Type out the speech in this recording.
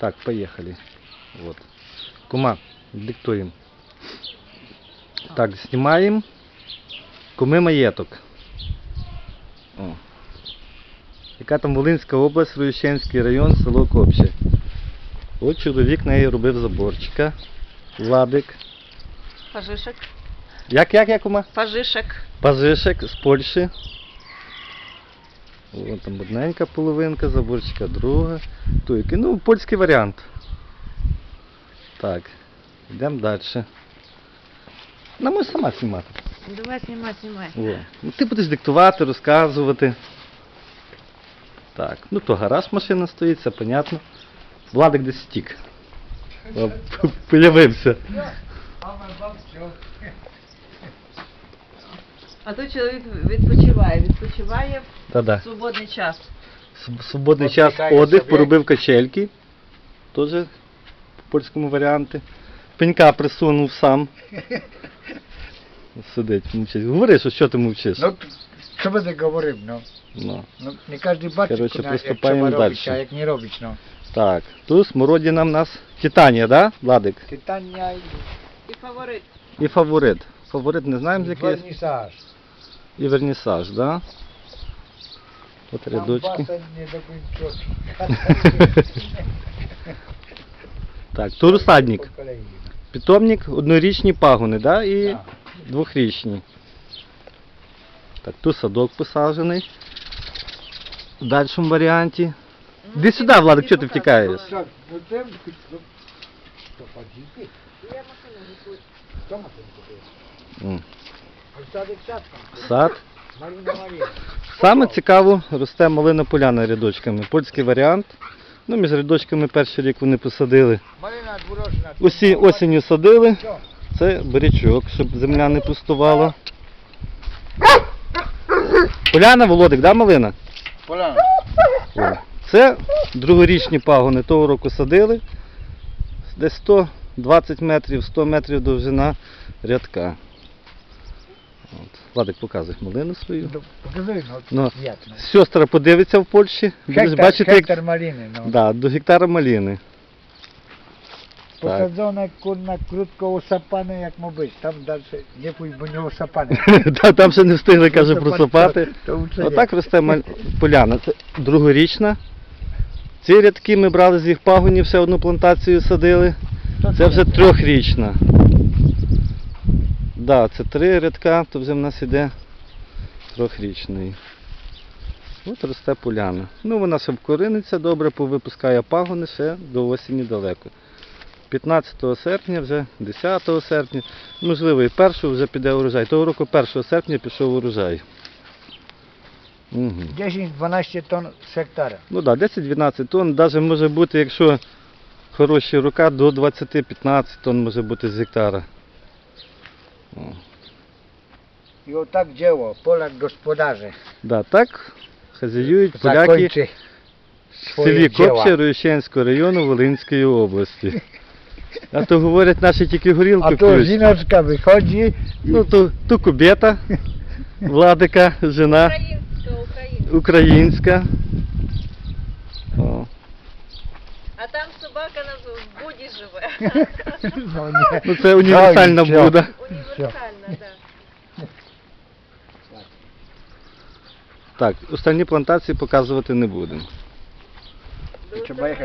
Так, поехали. Вот. Кума, диктуем. Так, снимаем. Куми маєток. О. Яка там Волинська область, Руїщенський район, село Копче. От чоловік неї робив заборчика. Владик. Пажишек. Як, кума? Пажишек. Пажишек з Польщі. О, там одненька половинка, заборчика друга. Туйки. Ну, польський варіант. Так, йдемо далі. Вона може сама знімати. Давай, снимай. О. Ну, ти будеш диктувати, розказувати. Так, ну то гараж машина стоїть, це понятно. Владик десь стік. Появився. А тут чоловік відпочиває Та-да. в свободний час. Свободний час отдих, поробив качельки. Теж по польському варіанті. Пенька присунув сам. Сидить, мовчить. Говори, що ти мовчиш. Ну, що би ти говорив, ну? Ну. Ну, не кожен бачить, Короче, як приступаємо треба робити, далі. а як не робить, ну. Так, тут смородина в нас Титанія, да, Владик? Титання І фаворит. І фаворит. Фаворит не знаємо, з і який. вернісаж. І вернісаж, да? От Там рядочки. басень не докінчить. Так, тут розсадник. Питомник, однорічні пагони, да? І Так. двохрічні. Так, тут садок посаджений. В дальшому варіанті. Іди сюди, Владик, чого ти втікаєш? Так, ну це... Що, подійти? Я машину рисую. Хто машину купив? А садик сад там. Сад. Марина. Саме цікаво росте малина поляна рядочками. Польський варіант. Ну, між рядочками перший рік вони посадили. Марина дворожна. Осінню садили. Це бурячок, щоб земля не пустувала. Поляна, Володик, да, малина? Поляна. О. Це другорічні пагони. Того року садили. Десь 120 метрів, 100 метрів довжина рядка. От. Владик, показуй малину свою. Покажи, Ну, ну, як, ну. Сестра подивиться в Польщі. Будеш бачити, як... Гектар малини, ну. Да, до гектара малини. Так. Посаджена курна крутко усапана, як мабуть. Там далі не пусть, бо не усапане. Там ще не встигли, каже, просапати. То це Отак росте поляна. Це другорічна. Ці рядки ми брали з їх пагонів, все одну плантацію садили. Це вже трьохрічна. Да, це 3 рядка, то вже в нас іде трьохрічний. От росте поляна. Ну, вона ще вкориниться, добре повипускає пагони, ще до осені далеко. 15 серпня, вже 10 серпня, можливо і 1 вже піде урожай. Того року 1 серпня пішов урожай. Угу. 10-12 тонн з гектара. Ну так, да, 10-12 тонн, навіть може бути, якщо хороші рука, до 20-15 тонн може бути з гектара. О. І отак діло, поляк господарze. Да, так хазяюють поляки Закончи в селі Копче Руїщенського району Волинської області. А то говорять, наші тільки горілку А то п'ють. жіночка виходить, Ну, то кубета, Владика, жена українська. О. А там собака в буді живе. ну, ні. Ну, це універсальна Все. буда. Універсальна, так. Так, останні плантації показувати не будемо. Треба їхати.